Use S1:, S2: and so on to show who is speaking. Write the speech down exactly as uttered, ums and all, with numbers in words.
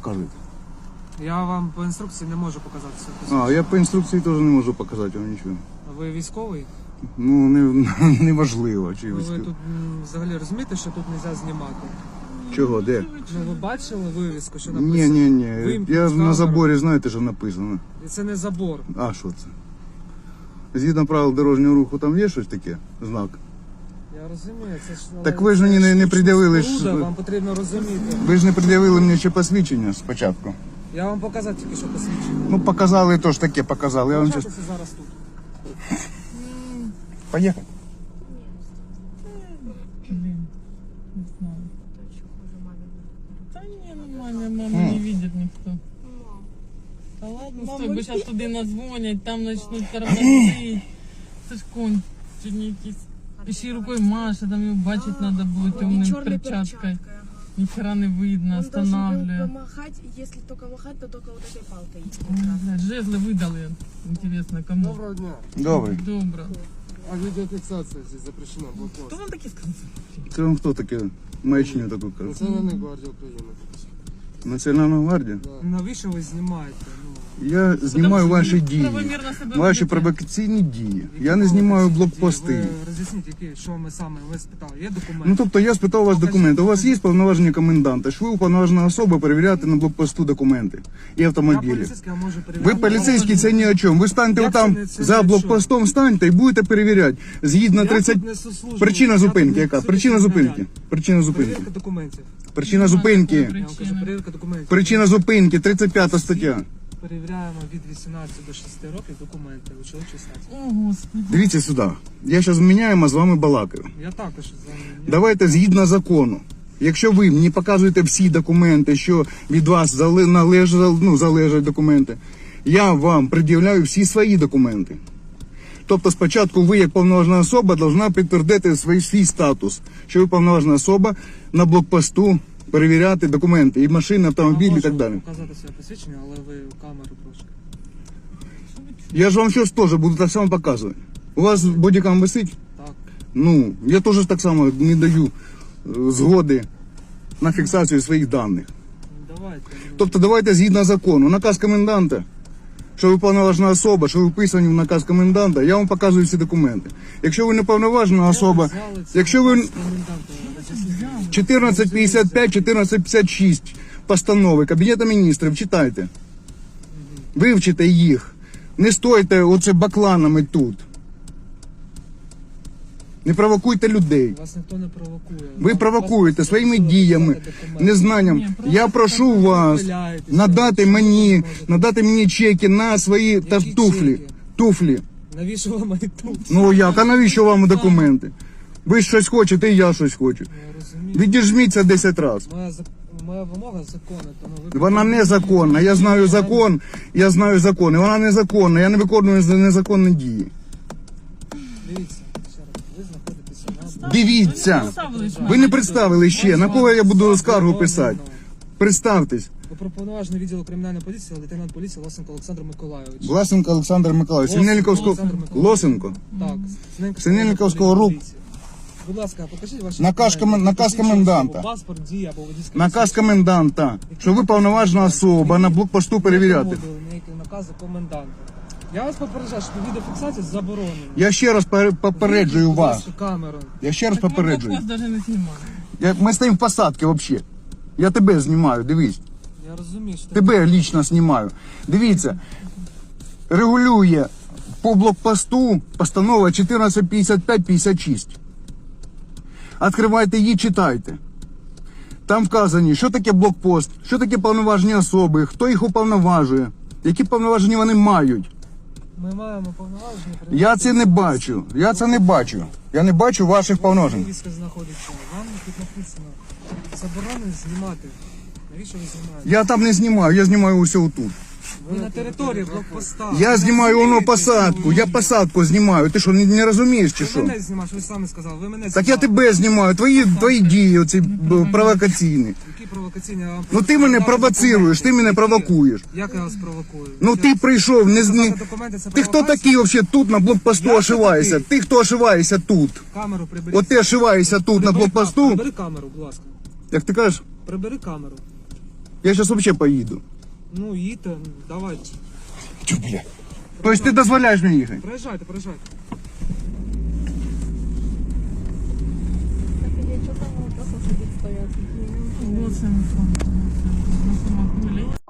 S1: Показуйте.
S2: Я вам по інструкції не можу показати все посвідчення.
S1: А, я по інструкції теж не можу показати вам нічого.
S2: А ви військовий?
S1: Ну, не, не важливо, чи
S2: Ви, ви
S1: військовий.
S2: тут м, взагалі розумієте, що тут не можна знімати?
S1: Чого, де?
S2: Ну ви бачили вивіску, що написано?
S1: Ні, ні, ні.
S2: Вимкніть
S1: Я
S2: камеру.
S1: на заборі, знаєте, що написано.
S2: І це не забор.
S1: А, що це? Згідно правил дорожнього руху там є щось таке? Знак?
S2: Я розумію, це ж...
S1: Так ви ж мені не- не пред'явили,
S2: Споруда,
S1: що ви-
S2: вам потрібно розуміти.
S1: Ви ж не пред'явили мені ще посвідчення спочатку.
S2: Я вам показав тільки, що посвідчення.
S1: Ну, показали то ж таке, показали. Я вам щас...
S2: Залишайтеся зараз тут.
S1: Поїхали.
S3: Блин, не знаю. Да не, нормально, мама не видит никто. Да ладно, стой, бо сейчас туди назвонять, там начнут тормозить. Це ж конь, чуть не якийсь. І ще й рукою Маша, там його бачить треба буде темною
S4: черной
S3: перчаткою.
S4: перчаткой.
S3: Ніхера не видно,
S4: Он должен был
S3: останавливает.
S4: помахать, если только махать, то только вот этой палкой.
S3: Блядь, жезли видали. Интересно, кому?
S5: Доброго дня.
S1: Добре.
S3: Добро.
S5: А видеофиксация здесь запрещена, блокпост.
S3: Хто вам такі сказав?
S1: Це вам хто таке маячню таку каже?
S5: Национальная гвардия Украины.
S1: Національна гвардія?
S5: Да.
S2: Навіщо ви знімаєте? Ну,
S1: Я знімаю ваші дії.
S3: Правомірно себе
S1: Ваші
S3: ведете.
S1: провокаційні дії.
S2: які
S1: Я не знімаю
S2: провокаційні
S1: блокпости.
S2: дії? Ви роз'ясніть, які, що ми саме, ви спитали. Є документи?
S1: Ну, тобто я спитав у вас
S2: Покажіть.
S1: документи. У вас є повноваження коменданта? Що ви уповноважена особа перевіряти на блокпосту документи і
S2: Я
S1: автомобілі?
S2: поліцейський, я можу перевіряти.
S1: Ви поліцейський, це ні о чому. Ви станьте
S2: Як
S1: там
S2: це не- це
S1: за
S2: не
S1: блокпостом, станьте і будете перевіряти. Згідно
S2: Я
S1: тридцять...
S2: тут не сослужу.
S1: Причина
S2: Я
S1: зупинки
S2: тут не
S1: яка?
S2: суду
S1: Причина
S2: не
S1: зупинки.
S2: знаю.
S1: Причина зупинки.
S2: Перевірка документів.
S1: Причина зупинки.
S2: Я вам кажу, перевірка документів.
S1: Причина зупинки, тридцять п'ята стаття.
S2: Перевіряємо від вісімнадцяти до шести років документи у чоловічій статі.
S3: О, Господи.
S1: Дивіться сюди. Я зараз міняємо, а з вами балакаю.
S2: Я також з вами. я-
S1: Давайте згідно закону. Якщо ви мені показуєте всі документи, що від вас зали- належать, ну, залежать документи, я вам пред'являю всі свої документи. Тобто спочатку ви, як повноважна особа, повинна підтвердити свій, свій статус, що ви повноважна особа на блокпосту перевіряти документи, і машини, автомобілі і
S2: Я
S1: так
S2: можу
S1: далі.
S2: показати своє посвідчення, але ви камеру трошки.
S1: Я ж вам щось теж буду так само показувати. У вас бодікам висить?
S2: Так.
S1: Ну, я теж так само не даю е, згоди на фіксацію своїх даних.
S2: Ну, давайте. ну,
S1: Тобто давайте згідно закону. Наказ коменданта, що ви повноважна особа, що ви вписані в наказ коменданта, я вам показую всі документи. Якщо ви не повноважна особа,
S2: взяли це
S1: якщо ви
S2: з коменданта, роз'ясніть.
S1: чотирнадцять п'ятдесят п'ять, чотирнадцять п'ятдесят шість постанови Кабінету міністрів, читайте. Вивчите їх. Не стойте оце бакланами тут. Не провокуйте людей.
S2: Вас ніхто не провокує.
S1: Ви
S2: Вам
S1: провокуєте
S2: просто
S1: своїми
S2: просили
S1: діями,
S2: показати документи.
S1: незнанням.
S3: Ні, просто
S1: Я прошу вас
S2: помиляєтеся.
S1: надати
S2: Що ви
S1: мені,
S2: можете?
S1: надати мені чеки на свої та
S2: Які
S1: туфлі.
S2: чеки?
S1: Туфлі.
S2: Навіщо вам мої тут?
S1: Ну як, а навіщо вам документи? Ви щось хочете, і я щось хочу.
S2: Я розумію.
S1: Відіжміться десять разів.
S2: Моя, зак- моя вимога законна, тому ви...
S1: Вона незаконна. Я знаю закон, я знаю закон. І вона незаконна. Я не виконую за незаконні дії.
S2: Дивіться, ще раз, ви знаходитеся на...
S1: Дивіться. Ви не представили ще. На кого я буду скаргу писати? Представтесь.
S2: Уповноважений відділу кримінальної поліції, лейтенант поліції Лосенко Олександр Миколайович.
S1: Власенко Олександр Миколаївич.
S2: Лосенко
S1: Синельниковського...
S2: Олександр Миколайович.
S1: Лосенко.
S2: Так. Синельниковського
S1: Синельниковського рук.
S2: поліції. Будь ласка, покажіть ваші
S1: Наказ
S2: документи.
S1: комен- наказ
S2: Посвідчення
S1: коменданта.
S2: особи, Паспорт, дія або водійське
S1: Наказ
S2: посвідчення.
S1: коменданта, що ви повноважна особа на блокпосту перевіряти.
S2: Не проводили ніякі накази коменданта. Я вас попереджаю, що відеофіксація заборонена.
S1: Я ще раз пере- попереджую
S2: Будь
S1: вас.
S2: ласка, камеру.
S1: Я ще раз попереджую.
S3: Вас даже не знімали.
S1: Я, ми стоїмо в посадці взагалі. Я тебе знімаю, дивись.
S2: Я розумію, що
S1: Тебе лично знімаю. Дивіться. Регулює по блокпосту постанова чотирнадцять п'ятдесят п'ять п'ятдесят шість. Відкривайте її, читайте. Там вказані, що таке блокпост, що таке повноважені особи, хто їх уповноважує, які повноваження вони мають.
S2: ми маємо повноваження.
S1: Я це не бачу. Я це не бачу. Я не бачу ваших повноважень.
S2: Війська знаходиться. Вам тут написано. Заборонено знімати. Навіщо ви знімаєте?
S1: Я там не знімаю, я знімаю усе отут.
S2: Ви на території блокпоста.
S1: Я
S2: Ви
S1: знімаю
S2: розумієте,
S1: воно посадку,
S2: що
S1: я
S2: ви-
S1: посадку знімаю. Ти що, не, не розумієш чи
S2: Ви
S1: що?
S2: мене знімаєш, ви самі сказали, ви мене
S1: Так я
S2: знімали.
S1: тебе знімаю, твої, твої дії оці б, провокаційні.
S2: Які провокаційні, я вам
S1: Ну ти мене
S2: показав
S1: провоцируєш, ти мене
S2: документи.
S1: провокуєш.
S2: Як я вас провокую?
S1: Ну
S2: Це-
S1: ти прийшов, не зні...
S2: Показати документи, це
S1: Ти хто
S2: провокація?
S1: такий взагалі тут на блокпосту
S2: Я хто
S1: ошиваєшся?
S2: такий?
S1: Ти хто ошиваєшся тут?
S2: Камеру приберіть.
S1: От ти ошиваєшся тут на
S2: Прибери
S1: блокпосту.
S2: кам- Прибери камеру, будь ласка.
S1: Як ти кажеш?
S2: Прибери камеру.
S1: Я зараз взагалі поїду.
S2: Ну, їдьте, давайте.
S1: Чу, бля. Тобто ти дозволяєш мені їхати?
S2: Проїжджайте, проїжджайте.
S3: Вот он, на самом деле.